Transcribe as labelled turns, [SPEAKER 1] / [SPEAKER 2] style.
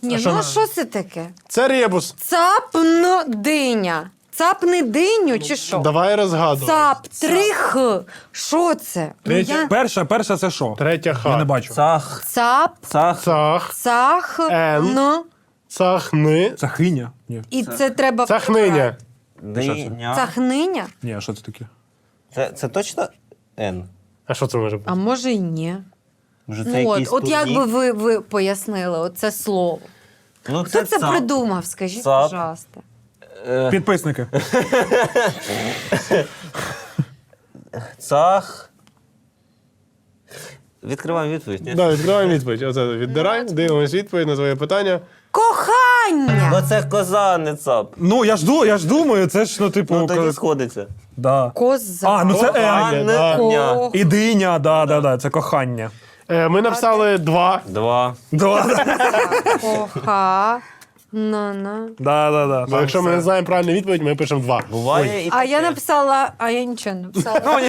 [SPEAKER 1] Ні, ну а що це таке?
[SPEAKER 2] Це ребус.
[SPEAKER 1] Цапн-диня. Цапни диню чи що?
[SPEAKER 2] Давай розгадувати.
[SPEAKER 1] Цап, 3Х. Що це? Ну, я...
[SPEAKER 3] Перша це що?
[SPEAKER 2] Третя ха.
[SPEAKER 3] Я не бачу.
[SPEAKER 4] Цах.
[SPEAKER 1] Цап,
[SPEAKER 4] Цах.
[SPEAKER 2] Цах.
[SPEAKER 1] цах,
[SPEAKER 2] Н.
[SPEAKER 1] н.
[SPEAKER 2] Цахни.
[SPEAKER 3] Це хиня? Ні.
[SPEAKER 1] І це треба...
[SPEAKER 2] Цахниня.
[SPEAKER 4] Диня.
[SPEAKER 1] Цахниня?
[SPEAKER 3] Ні, а що це таке?
[SPEAKER 4] Це точно Н?
[SPEAKER 2] А що це може бути?
[SPEAKER 1] А може й ні.
[SPEAKER 4] Може, це
[SPEAKER 1] Ну,
[SPEAKER 4] якийсь
[SPEAKER 1] от як
[SPEAKER 4] турнір?
[SPEAKER 1] би ви пояснили оце слово?
[SPEAKER 4] Ну,
[SPEAKER 1] Хто це
[SPEAKER 4] цап.
[SPEAKER 1] придумав, скажіть,
[SPEAKER 4] Цап.
[SPEAKER 1] пожалуйста.
[SPEAKER 3] Підписники.
[SPEAKER 4] Цах. Відкриваємо відповідь, ні?
[SPEAKER 2] Да, відкриваємо відповідь. Оце віддирай, дивимось відповідь на твоє питання.
[SPEAKER 1] Кохання!
[SPEAKER 4] Бо це коза, не цап.
[SPEAKER 3] Ну, я ж думаю, це ж, ну, типу...
[SPEAKER 4] Ну, тоді сходиться.
[SPEAKER 3] Да.
[SPEAKER 1] Коза.
[SPEAKER 3] А, ну це Н.
[SPEAKER 2] Кохання, да.
[SPEAKER 1] Ко-
[SPEAKER 3] І диня, да, це кохання.
[SPEAKER 2] Ми написали 2.
[SPEAKER 4] 2.
[SPEAKER 1] Коха. На.
[SPEAKER 3] Да.
[SPEAKER 2] Бо якщо ми не знаємо правильну відповідь, ми пишемо 2.
[SPEAKER 4] Буває і
[SPEAKER 1] А я
[SPEAKER 4] таке.
[SPEAKER 1] написала, а я нічого не написала.